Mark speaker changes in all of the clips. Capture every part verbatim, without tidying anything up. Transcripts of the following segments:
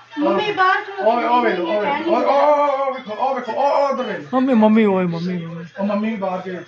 Speaker 1: Mummy ਬਾਹਰ ਤੋਂ ਓਏ ਓਏ ਓਏ ਓਏ ਓਏ ਵੇਖੋ ਓ ਵੇਖੋ ਓ ਉਧਰ ਵੇਖ
Speaker 2: ਮੰਮੀ ਮੰਮੀ ਓਏ ਮੰਮੀ ਮੰਮੀ
Speaker 1: ਉਹ ਮੰਮੀ ਵੀ ਬਾਹਰ ਕੇ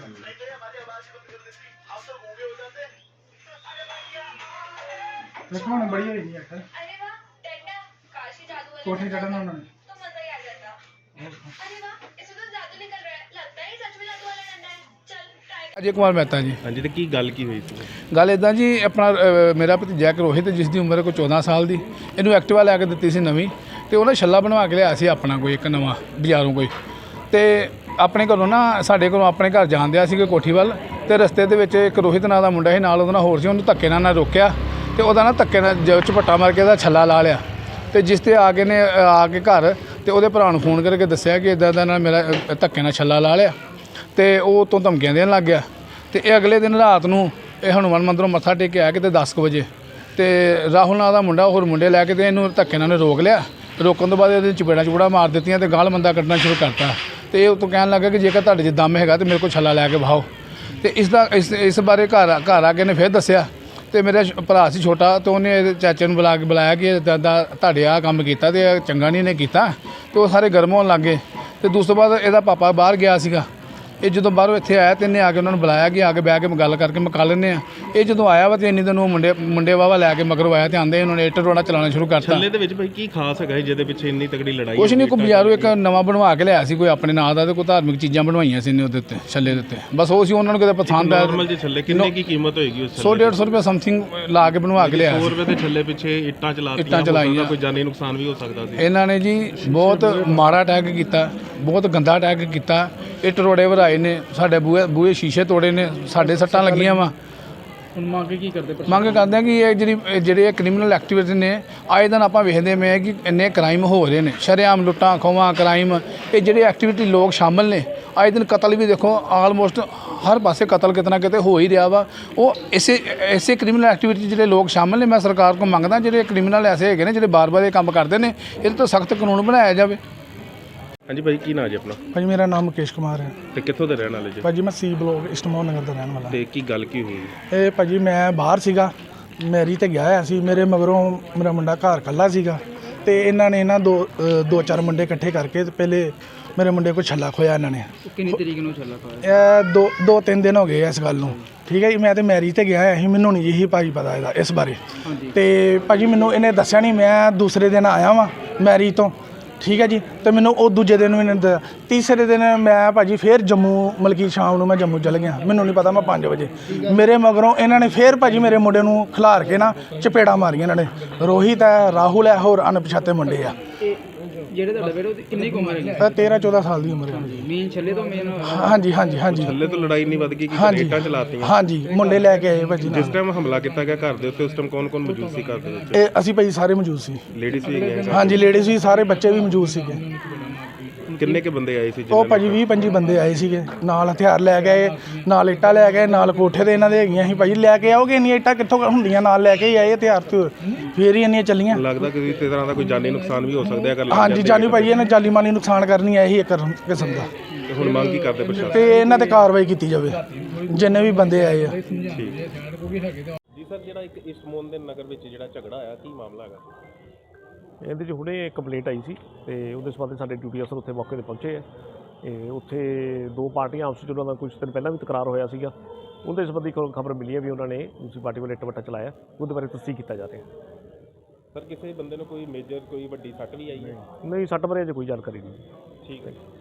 Speaker 1: ਦੇਖੋ ਹੁਣ ਬੜੀ ਹੋਈ ਨਹੀਂ ਅੱਖ
Speaker 3: अरे वाह डंडा काशी जादू वाले
Speaker 1: कोठी चढ़ना उन्होंने
Speaker 3: तो मजा ही आ जाता। अरे वाह इसमें तो जादू निकल रहा है, लगता है सच में जादू वाला डंडा है। चल ट्राई
Speaker 2: ਅਜੇ ਕੁਮਾਰ ਮਹਿਤਾ ਜੀ।
Speaker 4: ਹਾਂਜੀ, ਤੇ ਕੀ ਗੱਲ ਕੀ ਹੋਈ ਸੀ?
Speaker 2: ਗੱਲ ਇਦਾਂ ਜੀ, ਆਪਣਾ ਅ, ਮੇਰਾ ਭਤੀਜਾ ਇੱਕ ਰੋਹਿਤ, ਜਿਸ ਦੀ ਉਮਰ ਕੋਈ ਚੌਦਾਂ ਸਾਲ ਦੀ, ਇਹਨੂੰ ਐਕਟਿਵਾ ਲੈ ਕੇ ਦਿੱਤੀ ਸੀ ਨਵੀਂ, ਤੇ ਉਹਨੇ ਛੱਲਾ ਬਣਵਾ ਕੇ ਲਿਆ ਸੀ ਆਪਣਾ ਕੋਈ ਇੱਕ ਨਵਾਂ ਬਾਜ਼ਾਰੋਂ ਕੋਈ, ਤੇ ਆਪਣੇ ਘਰੋਂ ਨਾ ਸਾਡੇ ਘਰੋਂ ਆਪਣੇ ਘਰ ਜਾਂਦਿਆ ਸੀ ਕੋਈ ਕੋਠੀ ਵੱਲ, ਤੇ ਰਸਤੇ ਦੇ ਵਿੱਚ ਇੱਕ ਰੋਹਿਤ ਨਾਂ ਦਾ ਮੁੰਡਾ ਸੀ ਨਾਲ, ਉਹਦੇ ਨਾਲ ਹੋਰ ਸੀ, ਉਹਨੂੰ ਧੱਕੇ ਨਾਲ ਨਾ ਰੋਕਿਆ, ਤੇ ਉਹਦਾ ਨਾ ਧੱਕੇ ਨਾਲ ਜ ਝਪੱਟਾ ਮਾਰ ਕੇ ਉਹਦਾ ਛੱਲਾ ਲਾ ਲਿਆ, ਤੇ ਜਿਸ ਤੇ ਆ ਕੇ ਨੇ ਆ ਕੇ ਘਰ ਤੇ ਉਹਦੇ ਭਰਾ ਨੂੰ ਫੋਨ ਕਰਕੇ ਦੱਸਿਆ ਕਿ ਇਦਾਂ ਦਾ ਨਾਲ ਮੇਰਾ ਅ, ਧੱਕੇ ਨਾਲ ਛੱਲਾ ਲਾ ਲਿਆ, ਤੇ ਉਹ ਤੋਂ ਧਮਕੀਆਂ ਦੇਣ ਲੱਗ ਗਿਆ। ਤੇ ਇਹ ਅਗਲੇ ਦਿਨ ਰਾਤ ਨੂੰ ਇਹ ਹਨੂੰਮਾਨ ਮੰਦਰੋਂ ਮੱਥਾ ਟੇਕ ਕੇ ਆਇਆ ਕਿਤੇ ਦਸ ਕੁ ਵਜੇ, ਤੇ ਰਾਹੁਲ ਨਾਂ ਦਾ ਮੁੰਡਾ ਹੋਰ ਮੁੰਡੇ ਲੈ ਕੇ ਤੇ ਇਹਨੂੰ ਧੱਕੇ ਨਾਲ ਰੋਕ ਲਿਆ। ਰੋਕਣ ਤੋਂ ਬਾਅਦ ਇਹਦੇ ਚਪੇੜਾਂ ਚਪੂੜਾ ਮਾਰ ਦਿੱਤੀਆਂ ਤੇ ਗਾਲ ਮੰਦਾ ਕੱਢਣਾ ਸ਼ੁਰੂ ਕਰਤਾ, ਤੇ ਇਹ ਉਤੋਂ ਕਹਿਣ ਲੱਗਾ ਕਿ ਜੇਕਰ ਤੁਹਾਡੇ 'ਚ ਦਮ ਹੈਗਾ ਤੇ ਮੇਰੇ ਕੋਲ ਛੱਲਾ ਲੈ ਕੇ ਵਹਾਓ। ਤੇ ਇਸ ਦਾ ਇਸ ਇਸ ਬਾਰੇ ਘਰ ਘਰ ਆ ਕੇ ਨੇ ਫਿਰ ਦੱਸਿਆ, ਤੇ ਮੇਰਾ ਸ਼- ਭਰਾ ਸੀ ਛੋਟਾ, ਤੇ ਉਹਨੇ ਇਹਦੇ ਚਾਚੇ ਨੂੰ ਬੁਲਾ ਕੇ ਬੁਲਾਇਆ ਕਿ ਇੱਦਾਂ ਦਾ ਤੁਹਾਡੇ ਆਹ ਕੰਮ ਕੀਤਾ ਤੇ ਇਹ ਚੰਗਾ ਨਹੀਂ ਇਹਨੇ ਕੀਤਾ, ਤੇ ਉਹ ਸਾਰੇ ਗਰਮ ਹੋਣ ਲੱਗ ਗਏ। ਤੇ ਦੂਸ ਤੋਂ ਬਾਅਦ ਇਹਦਾ ਪਾਪਾ ਬਾਹਰ ਗਿਆ ਸੀਗਾ, ਇਹ ਜਦੋਂ ਬਾਹਰੋਂ ਇੱਥੇ ਆਇਆ ਤੇ ਇਹਨੇ ਆ ਕੇ ਉਹਨਾਂ ਨੂੰ ਬੁਲਾਇਆ ਕਿ ਆ ਕੇ ਬਹਿ ਕੇ ਗੱਲ ਕਰਕੇ ਮੁਕਾ ਲੈਂਦੇ ਆ। ਇਹ ਜਦੋਂ ਆਇਆ ਵਾ ਤੇ ਇੰਨੀ ਦਿਨ ਉਹ ਮੁੰਡੇ ਮੁੰਡੇ ਵਾਵਾ ਲੈ ਕੇ ਮਗਰੋਂ ਆਇਆ ਤੇ ਆਂਦੇ ਉਹਨਾਂ ਨੇ ਇੱਟ ਰੋੜਾ ਚਲਾਉਣਾ ਸ਼ੁਰੂ ਕਰਤਾ।
Speaker 4: ਛੱਲੇ ਦੇ ਵਿੱਚ ਭਾਈ ਕੀ ਖਾਸ ਹੈਗਾ ਸੀ ਜਿਹਦੇ ਪਿੱਛੇ ਇੰਨੀ ਤਕੜੀ ਲੜਾਈ?
Speaker 2: ਕੁਛ ਨਹੀਂ, ਕੋਈ ਬਾਜ਼ਾਰੋਂ ਇੱਕ ਨਵਾਂ ਬਣਵਾ ਕੇ ਲਿਆ ਸੀ ਕੋਈ ਆਪਣੇ ਨਾਂ ਦਾ, ਤੇ ਕੋਈ ਧਾਰਮਿਕ ਚੀਜ਼ਾਂ ਬਣਵਾਈਆਂ ਸੀ ਇਹਨੇ ਉਹਦੇ ਉੱਤੇ ਛੱਲੇ ਦੇ ਉੱਤੇ, ਬਸ ਉਹ ਸੀ ਉਹਨਾਂ ਨੂੰ ਕਿਤੇ ਪਸੰਦ ਆਇਆ।
Speaker 4: ਨਾਰਮਲ ਜਿਹੇ ਛੱਲੇ ਕਿੰਨੇ ਕੀ ਕੀਮਤ ਹੋਏਗੀ ਉਸ
Speaker 2: ਸੌ ਡੇਢ ਸੌ ਰੁਪਏ ਸਮਥਿੰਗ ਲਾ ਕੇ ਬਣਵਾ ਕੇ ਲਿਆ
Speaker 4: ਸੌ
Speaker 2: ਸੀ।
Speaker 4: ਰੁਪਏ ਦੇ ਛੱਲੇ ਪਿੱਛੇ ਇੱਟਾਂ ਚਲਾਤੀਆਂ,
Speaker 2: ਇੱਟਾਂ ਚਲਾਈਆਂ,
Speaker 4: ਕੋਈ ਜਾਨੀ ਨੁਕਸਾਨ ਵੀ ਹੋ ਸਕਦਾ ਸੀ।
Speaker 2: ਇਹਨਾਂ ਨੇ ਜੀ ਬਹੁਤ ਮਾੜਾ ਅਟੈਕ ਕੀਤਾ, ਬਹੁਤ ਗੰਦਾ ਅਟੈਕ ਕੀਤਾ। ਇੱਟ ਰੋੜੇ ਵਰਾਏ ਨੇ, ਸਾਡੇ ਬੂਹੇ ਬੂਹੇ ਸ਼ੀਸ਼ੇ ਤੋੜੇ ਨੇ, ਸਾਡੇ ਸੱਟਾਂ ਲੱਗੀਆਂ ਵਾ।
Speaker 5: ਹੁਣ ਮੰਗ ਕੀ ਕਰਦੇ?
Speaker 2: ਮੰਗ ਕਰਦੇ ਆ ਕਿ ਇਹ ਜਿਹੜੀ ਇਹ ਜਿਹੜੇ ਕ੍ਰਿਮੀਨਲ ਐਕਟੀਵਿਟੀ ਨੇ, ਆਏ ਦਿਨ ਆਪਾਂ ਵੇਖਦੇ ਪਏ ਕਿ ਇੰਨੇ ਕ੍ਰਾਈਮ ਹੋ ਰਹੇ ਨੇ, ਸ਼ਰੇਆਮ ਲੁੱਟਾਂ ਖੋਹਾਂ ਕ੍ਰਾਈਮ, ਇਹ ਜਿਹੜੇ ਐਕਟੀਵਿਟੀ ਲੋਕ ਸ਼ਾਮਲ ਨੇ। ਆਏ ਦਿਨ ਕਤਲ ਵੀ ਦੇਖੋ, ਆਲਮੋਸਟ ਹਰ ਪਾਸੇ ਕਤਲ ਕਿਤੇ ਨਾ ਕਿਤੇ ਹੋ ਹੀ ਰਿਹਾ ਵਾ। ਉਹ ਇਸੇ ਇਸੇ ਕ੍ਰਿਮੀਨਲ ਐਕਟੀਵਿਟੀ ਜਿਹੜੇ ਲੋਕ ਸ਼ਾਮਲ ਨੇ, ਮੈਂ ਸਰਕਾਰ ਕੋਲ ਮੰਗਦਾ ਜਿਹੜੇ ਕ੍ਰਿਮੀਨਲ ਐਸੇ ਹੈਗੇ ਨੇ ਜਿਹੜੇ ਬਾਰ-ਬਾਰ ਇਹ ਕੰਮ ਕਰਦੇ ਨੇ, ਇਹਦੇ ਤੋਂ ਸਖਤ ਕਾਨੂੰਨ ਬਣਾਇਆ ਜਾਵੇ।
Speaker 4: ਹਾਂਜੀ ਭਾਈ, ਕੀ ਨਾਂ ਜੀ ਆਪਣਾ
Speaker 5: ਭਾਜੀ ਮੇਰਾ ਨਾਮ ਮੁਕੇਸ਼ ਕੁਮਾਰ ਹੈ।
Speaker 4: ਤੇ ਕਿੱਥੋਂ ਦੇ ਰਹਿਣ ਵਾਲੇ ਜੀ?
Speaker 5: ਭਾਜੀ ਮੈਂ ਸੀ ਬਲੋਕ ਇਸਟਮੋਨ ਨਗਰ ਦਾ ਰਹਿਣ ਵਾਲਾ।
Speaker 4: ਤੇ ਕੀ ਗੱਲ ਕੀ ਹੋਈ?
Speaker 5: ਇਹ ਭਾਜੀ ਮੈਂ ਬਾਹਰ ਸੀਗਾ, ਮੈਰੀ ਤੇ ਗਿਆ ਹੋਇਆ ਸੀ, ਮੇਰੇ ਮਗਰੋਂ ਮੇਰਾ ਮੁੰਡਾ ਘਰ ਇਕੱਲਾ ਸੀਗਾ, ਤੇ ਇਹਨਾਂ ਨੇ ਨਾ ਦੋ ਅ, ਦੋ ਚਾਰ ਮੁੰਡੇ ਇਕੱਠੇ ਕਰਕੇ ਤੇ ਪਹਿਲੇ ਮੇਰੇ ਮੁੰਡੇ ਕੋਲ ਛੱਲਾ ਖੋਇਆ ਇਹਨਾਂ ਨੇ।
Speaker 6: ਕਿੰਨੀ ਤਰੀਕ ਨੂੰ ਛੱਲਾ ਖੋਇਆ?
Speaker 5: ਇਹ ਦੋ ਦੋ ਤਿੰਨ ਦਿਨ ਹੋ ਗਏ ਇਸ ਗੱਲ ਨੂੰ, ਠੀਕ ਹੈ ਜੀ। ਮੈਂ ਤੇ ਮੈਰੀ ਤੇ ਗਿਆ ਹੋਇਆ ਸੀ, ਮੈਨੂੰ ਨਹੀਂ ਜੀ ਭਾਜੀ ਪਤਾ ਇਹਦਾ ਇਸ ਬਾਰੇ, ਤੇ ਭਾਜੀ ਮੈਨੂੰ ਇਹਨੇ ਦੱਸਿਆ ਨਹੀਂ। ਮੈਂ ਦੂਸਰੇ ਦਿਨ ਆਇਆ ਵਾਂ ਮੈਰੀ ਤੋਂ, ਠੀਕ ਹੈ ਜੀ, ਤੇ ਮੈਨੂੰ ਉਹ ਦੂਜੇ ਦਿਨ ਵੀ ਨਹੀਂ, ਤੀਸਰੇ ਦਿਨ ਮੈਂ ਭਾਜੀ ਫੇਰ ਜੰਮੂ, ਮਲਕੀ ਸ਼ਾਮ ਨੂੰ ਮੈਂ ਜੰਮੂ ਚਲ ਗਿਆ, ਮੈਨੂੰ ਨਹੀਂ ਪਤਾ ਮੈਂ ਪੰਜ ਵਜੇ। ਮੇਰੇ ਮਗਰੋਂ ਇਹਨਾਂ ਨੇ ਫੇਰ ਭਾਜੀ ਮੇਰੇ ਮੁੰਡੇ ਨੂੰ ਖਿਲਾਰ ਕੇ ਨਾ ਚਪੇੜਾ ਮਾਰੀਆਂ ਇਹਨਾਂ ਨੇ। ਰੋਹਿਤ ਹੈ, ਰਾਹੁਲ ਹੈ, ਹੋਰ ਅਣਪਛਾਤੇ ਮੁੰਡੇ ਆ।
Speaker 6: ਜਿਹੜੇ ਤੁਹਾਡੇ ਬੇਟੇ ਉਹਦੀ ਕਿੰਨੀ ਕੁ ਉਮਰ ਹੈ?
Speaker 5: ਇਹ ਤੇਰਾਂ ਚੌਦਾਂ ਸਾਲ ਦੀ ਉਮਰ ਹੈ।
Speaker 6: ਮੇਨ ਛੱਲੇ ਤੋਂ ਮੇਨ
Speaker 5: ਹਾਂਜੀ ਹਾਂਜੀ ਹਾਂਜੀ
Speaker 4: ਛੱਲੇ ਤੋਂ ਲੜਾਈ ਨਹੀਂ ਵੱਧ ਗਈ ਕਿ
Speaker 5: ਹਾਂਜੀ
Speaker 4: ਇੱਟਾਂ ਚਲਾਤੀਆਂ?
Speaker 5: ਹਾਂਜੀ, ਮੁੰਡੇ ਲੈ ਕੇ ਆਏ ਭਾਜੀ
Speaker 4: ਜਿਸ
Speaker 5: ਨਾਲ।
Speaker 4: ਟਾਈਮ ਹਮਲਾ ਕੀਤਾ ਗਿਆ ਘਰ ਦੇ ਉੱਤੇ, ਉਸ ਟਾਈਮ ਕੌਣ ਕੌਣ ਮੌਜੂਦ ਸੀ ਘਰ ਦੇ ਵਿੱਚ?
Speaker 5: ਇਹ ਅਸੀਂ ਭਾਜੀ ਸਾਰੇ ਮੌਜੂਦ ਸੀ।
Speaker 4: ਲੇਡੀਜ਼ ਵੀ ਗਏ?
Speaker 5: ਹਾਂਜੀ, ਲੇਡੀਜ਼ ਵੀ, ਸਾਰੇ ਬੱਚੇ ਵੀ ਮੌਜੂਦ ਸੀਗੇ।
Speaker 4: ਕਿੰਨੇ ਕੇ ਬੰਦੇ ਆਏ ਸੀ?
Speaker 5: ਉਹ ਭਾਜੀ ਵੀਹ ਪੰਜੀ ਬੰਦੇ ਆਏ ਸੀਗੇ, ਨਾਲ ਹਥਿਆਰ ਲੈ ਗਏ, ਨਾਲ ਇੱਟਾਂ ਲੈ ਗਏ, ਨਾਲ ਕੋਠੇ ਦੇ ਇਹਨਾਂ ਦੇ ਹੈਗੀਆਂ ਸੀ। ਭਾਜੀ ਲੈ ਕੇ ਆਓਗੇ ਇੰਨੀਆਂ ਇੱਟਾਂ ਕਿੱਥੋਂ ਹੁੰਦੀਆਂ, ਨਾਲ ਲੈ ਕੇ ਹੀ ਆਏ ਹਥਿਆਰ ਤੇ, ਫੇਰ ਹੀ ਇੰਨੀਆਂ ਚੱਲੀਆਂ।
Speaker 4: ਲੱਗਦਾ ਕਿ ਇਸ ਤਰ੍ਹਾਂ ਦਾ ਕੋਈ ਜਾਨੀ ਨੁਕਸਾਨ ਵੀ ਹੋ ਸਕਦਾ ਹੈ ਅਗਰ ਲੱਗ
Speaker 5: ਹਾਂਜੀ
Speaker 4: ਜਾਂਦੇ
Speaker 5: ਜਾਨੀ ਭਾਜੀ ਇਹਨੇ ਜਾਨੀ ਮਾਲੀ ਨੁਕਸਾਨ ਕਰਨੀ ਹੈ, ਇਹੀ ਇੱਕ ਕਿਸਮ ਦਾ।
Speaker 4: ਤੇ ਹੁਣ ਮੰਗ ਕੀ ਕਰਦੇ ਪ੍ਰਸ਼ਾਸਨ?
Speaker 5: ਤੇ ਇਹਨਾਂ ਤੇ ਕਾਰਵਾਈ ਕੀਤੀ ਜਾਵੇ, ਜਿੰਨੇ ਵੀ ਬੰਦੇ ਆਏ ਆ।
Speaker 4: ਜੀ ਸਰ, ਜਿਹੜਾ ਇੱਕ ਇਸਮੋਨ ਦੇ ਨਗਰ ਵਿੱਚ ਜਿਹੜਾ ਝਗੜਾ ਆਇਆ, ਕੀ ਮਾਮਲਾ ਹੈਗਾ?
Speaker 7: ਇਹਦੇ 'ਚ ਹੁਣੇ ਕੰਪਲੇਂਟ ਆਈ ਸੀ, ਤੇ ਉਹਦੇ ਸੰਬੰਧ ਸਾਡੇ ਡਿਊਟੀ ਅਫਸਰ ਉੱਥੇ ਮੌਕੇ 'ਤੇ ਪਹੁੰਚੇ ਆ। ਇਹ ਉੱਥੇ ਦੋ ਪਾਰਟੀਆਂ ਆਪਸ 'ਚ ਉਹਨਾਂ ਦਾ ਕੁਝ ਦਿਨ ਪਹਿਲਾਂ ਵੀ ਤਕਰਾਰ ਹੋਇਆ ਸੀਗਾ, ਉਹਦੇ ਸੰਬੰਧੀ ਖਬਰ ਮਿਲੀ ਹੈ ਵੀ ਉਹਨਾਂ ਨੇ ਦੂਸਰੀ ਪਾਰਟੀ ਵੱਲ ਇੱਟ ਵੱਟਾ ਚਲਾਇਆ। ਉਹਦੇ ਬਾਰੇ ਤਸਦੀਕ ਕੀਤਾ ਜਾ ਰਿਹਾ।
Speaker 4: ਸਰ, ਕਿਸੇ ਬੰਦੇ ਨੂੰ ਕੋਈ ਮੇਜਰ ਕੋਈ ਵੱਡੀ ਸੱਟ ਵੀ ਆਈ ਹੈ?
Speaker 7: ਨਹੀਂ, ਸੱਟ ਬਾਰੇ ਅਜੇ ਕੋਈ ਜਾਣਕਾਰੀ ਨਹੀਂ।
Speaker 4: ਠੀਕ ਹੈ।